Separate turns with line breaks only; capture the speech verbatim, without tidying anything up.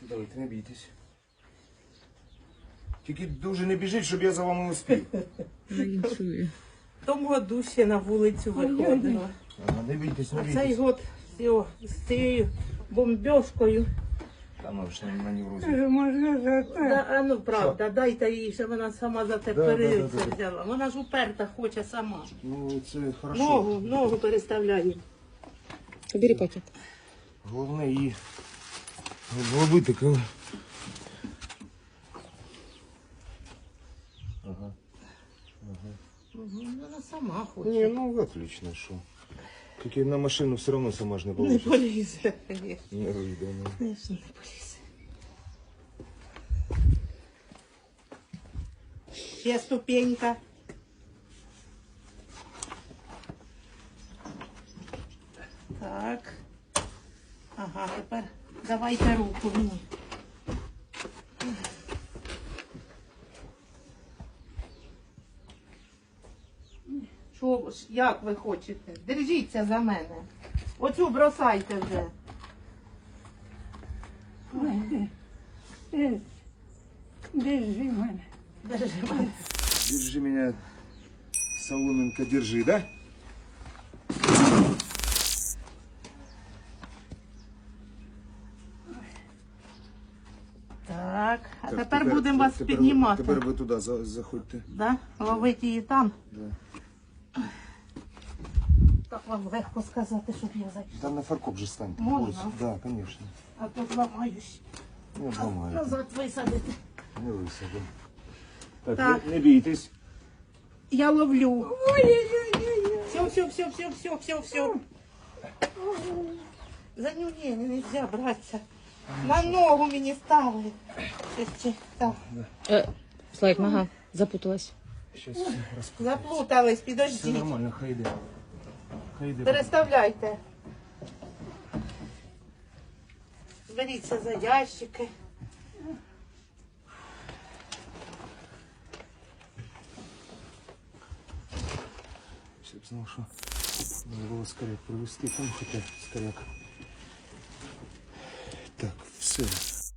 Давайте, не бійтесь. Тільки дуже не біжіть, щоб я за вами успів.
Вінчує.
В тому году ще на вулицю виходила.
Ага, не бійтесь, не
А цей
бійтесь.
год все, з цією бомбьошкою.
Та ну ж не маневруйте.
Можна за те.
Да, а ну правда, дайте їй, що вона сама за те
Да, да,
перильце
да, да.
взяла. Вона ж уперта хоче сама.
Ну, це хорошо.
Ногу, ногу переставляє.
Бери пакет.
Головне її зловити, коли... Ага.
Угу, вона сама хоче.
Не, ну отлично, що. Тільки на машину все одно сама ж не
Не
получится.
полізе, звісно.
Не вийде, ну.
Звісно, не полізе. Ще ступенька. Так. Ага, тепер давайте руку мені. Що, ж, як ви хочете? Держіться за мене. Оцю бросайте вже.
Е, Держи мене.
Держи мене.
Держи меня, Соломенко, держи, да?
Так, а
Так,
тепер, будемо вас
тепер,
піднімати.
Тепер ви туди за- заходьте.
Да? Ловити її там.
Да.
Так вам легко сказати, щоб я зайшла.
Там на фаркоп же станьте.
Можна?
Ось, да, конечно.
А то зламаюсь.
Не обламаю.
Назад висадити.
Не висадимо. Так,
Так.
Не, не бійтесь.
Я ловлю. Ой-ой-ой. Все, все, все, все, все, все, все. За нього не, не нельзя братися. На ногу мені ставили. Щось чи- Так.
Е, Слайк, нога запуталась.
Сейчас все розп...
Заплутались,
Все
підождіть.
нормально, хай йде. Хай йде.
Переставляйте. Беріться за ящики.
Все б знав, що треба було скоряк привезти. Там хоча скоряк. Так, все.